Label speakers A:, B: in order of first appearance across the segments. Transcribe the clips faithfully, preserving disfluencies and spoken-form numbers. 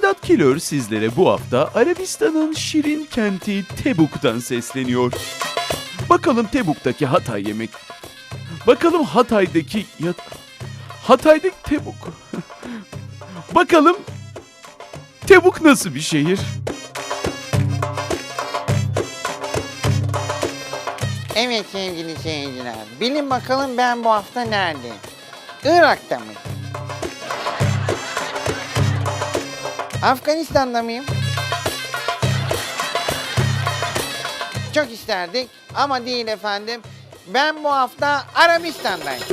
A: Sedat Kilör sizlere bu hafta Arabistan'ın şirin kenti Tebuk'tan sesleniyor. Bakalım Tebuk'taki Hatay yemek... Bakalım Hatay'daki... Ya... Hatay'daki Tebuk... Bakalım Tebuk nasıl bir şehir?
B: Evet sevgili seyirciler, bilin bakalım ben bu hafta neredeyim? Irak'ta mıyım? Afganistan'da mıyım? Çok isterdik ama değil efendim. Ben bu hafta Arabistan'dayım.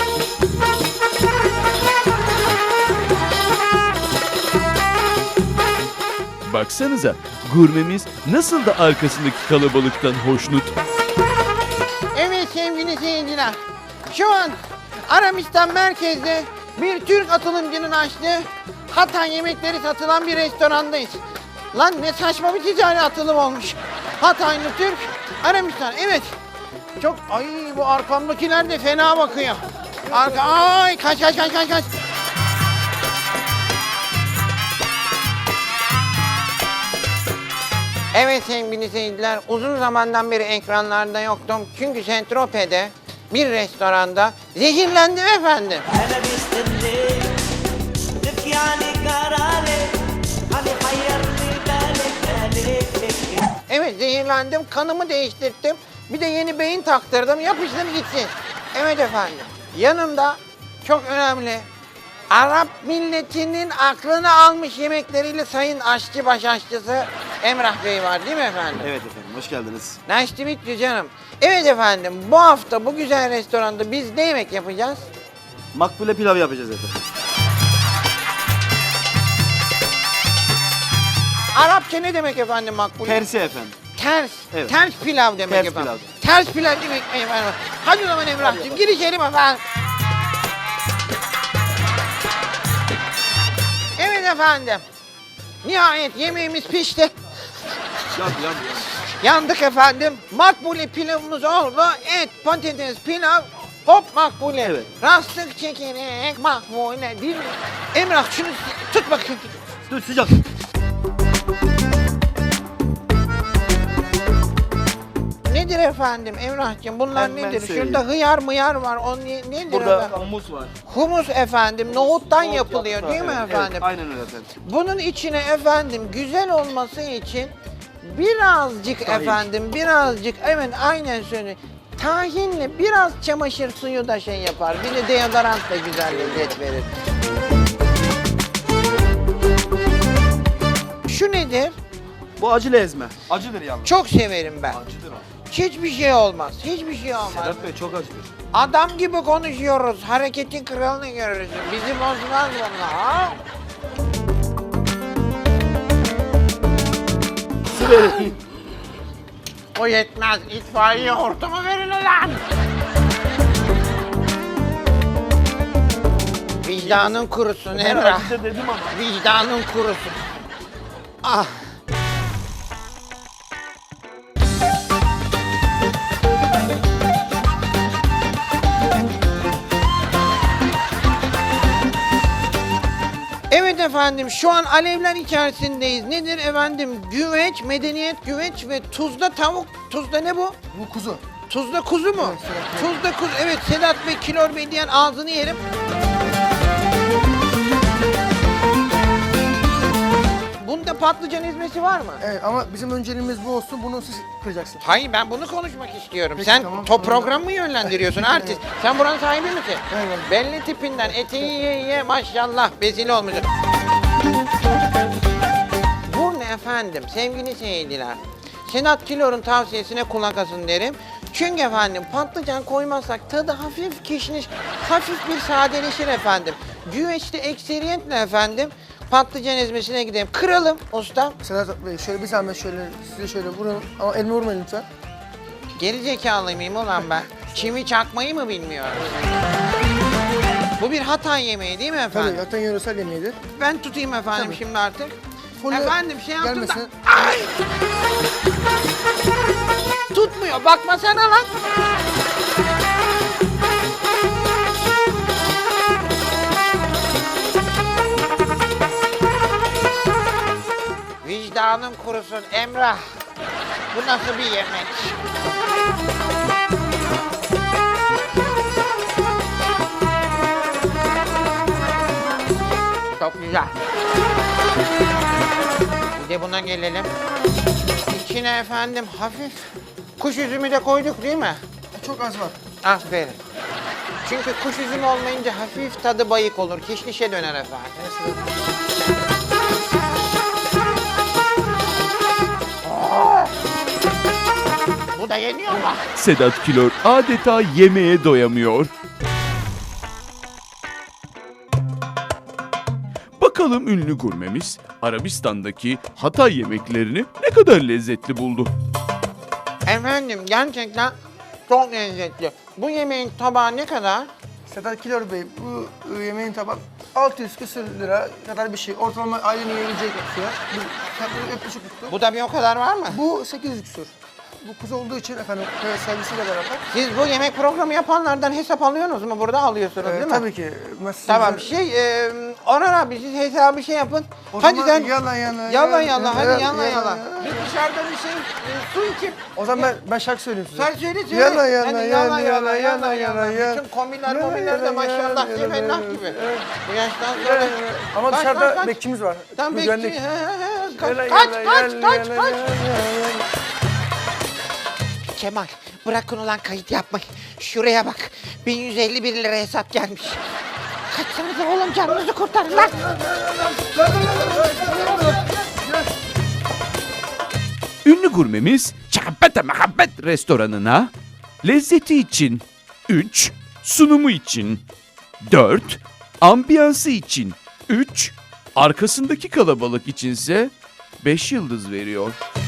A: Baksanıza gurmemiz nasıl da arkasındaki kalabalıktan hoşnut.
B: Evet sevgili seyirciler, şu an Arabistan merkezde bir Türk atılımcının açtığı Hatay yemekleri satılan bir restorandayız. Lan ne saçma bir ticari atılım olmuş. Hataylı Türk, Arabistan, evet. Çok, ay bu arkamdakiler de fena bakıyor. Arka, ay kaç kaç kaç kaç kaç. Evet sevgili seyirciler, uzun zamandan beri ekranlarda yoktum. Çünkü Saint-Tropez'de bir restoranda zehirlendim efendim. Evet zehirlendim, kanımı değiştirdim. Bir de yeni beyin taktırdım, yapıştır gitsin. Evet efendim, yanımda çok önemli, Arap milletinin aklını almış yemekleriyle Sayın Aşçı Baş Aşçısı Emrah Bey var değil mi efendim?
C: Evet efendim, hoş geldiniz.
B: Nice to meet you canım. Evet efendim, bu hafta bu güzel restoranda biz ne yemek yapacağız?
C: Makbule pilav yapacağız efendim.
B: Arapça ne demek efendim makbul?
C: Tersi efendim.
B: Ters.
C: Evet.
B: Ters pilav demek
C: Ters
B: efendim.
C: pilav.
B: Ters pilav demek efendim. Hadi o zaman Emrah'cığım gir içeri efendim. Evet efendim. Nihayet yemeğimiz pişti.
C: Yan, yan, yan.
B: Yandık efendim. Makbule pilavımız oldu. Et, patates, pilav. Hop makbule.
C: Evet.
B: Rastık çekerek makbule değil mi? Emrah şunu tut bakayım.
C: Dur sıcak.
B: Nedir efendim Emrah'cığım? Bunlar
C: Hemen
B: nedir?
C: söyleyeyim.
B: Şurada hıyar mıyar var. O ne, nedir
C: Burada
B: efendim?
C: humus var.
B: Humus efendim. Nohuttan
C: Nohut
B: yapılıyor
C: yaprağı,
B: değil mi
C: evet,
B: efendim?
C: Evet, aynen öyle efendim.
B: Bunun içine efendim güzel olması için birazcık
C: Tahin.
B: efendim birazcık evet aynen söyle. Tahinle biraz çamaşır suyu da şey yapar. Bir de deodorant da güzel lezzet verir. Şu nedir?
C: Bu acılı ezme. Acıdır yalnız.
B: Çok severim ben.
C: Acıdır o.
B: Hiçbir şey olmaz. Hiçbir şey olmaz.
C: Sedat Bey çok acıdır.
B: Adam gibi konuşuyoruz. Hareketin kralını görürsün. Bizi bozmaz bunlar. Ha?
C: Su verin.
B: O yetmez. İtfaiye hortumu verin ulan. Vicdanın kurusun
C: Ben
B: Emrah.
C: acıdır dedim ama.
B: Vicdanın kurusun. Ah. Evet efendim şu an alevler içerisindeyiz. Nedir efendim? Güveç, medeniyet güveç ve tuzda tavuk. Tuzda ne bu?
D: Bu kuzu.
B: Tuzda kuzu mu?
D: Evet, Sedat Bey.
B: Tuzda kuzu. Evet Sedat Bey, Kilor Bey diyen ağzını yerim. Bunda patlıcan ezmesi var mı?
D: Evet ama bizim önceliğimiz bu olsun. Bunu siz kıracaksınız.
B: Hayır ben bunu konuşmak istiyorum.
D: Peki,
B: Sen
D: tamam,
B: top
D: tamam.
B: programı mı yönlendiriyorsun artist? Sen buranın sahibi misin?
D: Evet.
B: Belli tipinden eteği ye ye maşallah bezili olmuşsun. Bu ne efendim sevgili seyirciler? Sedat Kilor'un tavsiyesine kulak asın derim. Çünkü efendim patlıcan koymazsak tadı hafif kişniş, hafif bir sadeleşir efendim. Güveçte ekseriyetle efendim patlıcan ezmesine gidelim. Kıralım ustam.
D: Sedat Bey şöyle bir zahmet şöyle size şöyle vurun ama elime vurmayın lütfen.
B: Geri zekalı mıyım ulan ben? Çivi çakmayı mı bilmiyorum? Bu bir Hatay yemeği değil mi efendim?
D: Tabii zaten yöresel yemeğidir.
B: Ben tutayım efendim
D: Tabii.
B: şimdi artık.
D: Folyo
B: Efendim şey yaptım da...
D: gelmesin.
B: Ay! Tutmuyor bakmasana lan. Yağının kurusun Emrah. Bu nasıl bir yemek? Çok güzel. Bir de buna gelelim. İçine efendim hafif kuş üzümü de koyduk değil mi?
D: Çok az var.
B: Aferin. Çünkü kuş üzümü olmayınca hafif tadı bayık olur. Kişnişe döner efendim. Aa! Bu da yeniyor mu?
A: Sedat Kilor adeta yemeğe doyamıyor. Bakalım ünlü gurmemiz Arabistan'daki Hatay yemeklerini ne kadar lezzetli buldu.
B: Efendim gerçekten çok lezzetli. Bu yemeğin tabağı ne kadar?
D: Sedat Kilor Bey, bu e, yemeğin tabak altı yüz küsür lira kadar bir şey. Ortalama ailenin yiyebilecek fiyat. Bu fiyatları yaklaşık tuttu.
B: Bu da bir o kadar var mı?
D: Bu sekiz yüz küsür. Bu kuzu olduğu için efendim köy servisiyle beraber.
B: Siz bu yemek programı yapanlardan hesap alıyorsunuz mu? Burada alıyorsunuz
D: E,
B: değil mi?
D: tabii ki. Mesajınızı-
B: Tamam şey, e, Orhan abi siz hesabı şey yapın.
D: O
B: hadi
D: zaman
B: sen
D: yala yala.
B: yala yala, hadi
D: yala,
B: yala
D: yala,
B: yala.
D: yala.
B: Biz dışarıda bir şey, e, su içip.
D: O zaman ben, ben şarkı söyleyeyim size.
B: Sen söyle söyle.
D: Yala yala
B: Hadi
D: yala yala yala yala yala.
B: Bütün komiller
D: Yala,
B: komiller de
D: yala,
B: maşallah
D: yala,
B: cemellah
D: yala,
B: gibi.
D: evet.
B: Bu yaştan
D: Yala,
B: sonra.
D: yala. Ama
B: Kaç,
D: dışarıda
B: kaç, kaç.
D: bekçimiz var.
B: Tam bekçi.
D: Güvenlik.
B: he, he, he. Kaç
D: Yala,
B: kaç
D: yala,
B: kaç
D: yala,
B: kaç
D: yala,
B: kaç.
D: yala, yala.
B: Kemal bırakın ulan kayıt yapmayı. Şuraya bak. bin yüz elli bir lira hesap gelmiş. Kaçsanıza oğlum canınızı kurtarın lan.
A: Ünlü gurmemiz Çahabbete Mehabbet restoranına lezzeti için üç, sunumu için dört, ambiyansı için üç, arkasındaki kalabalık içinse beş yıldız veriyor.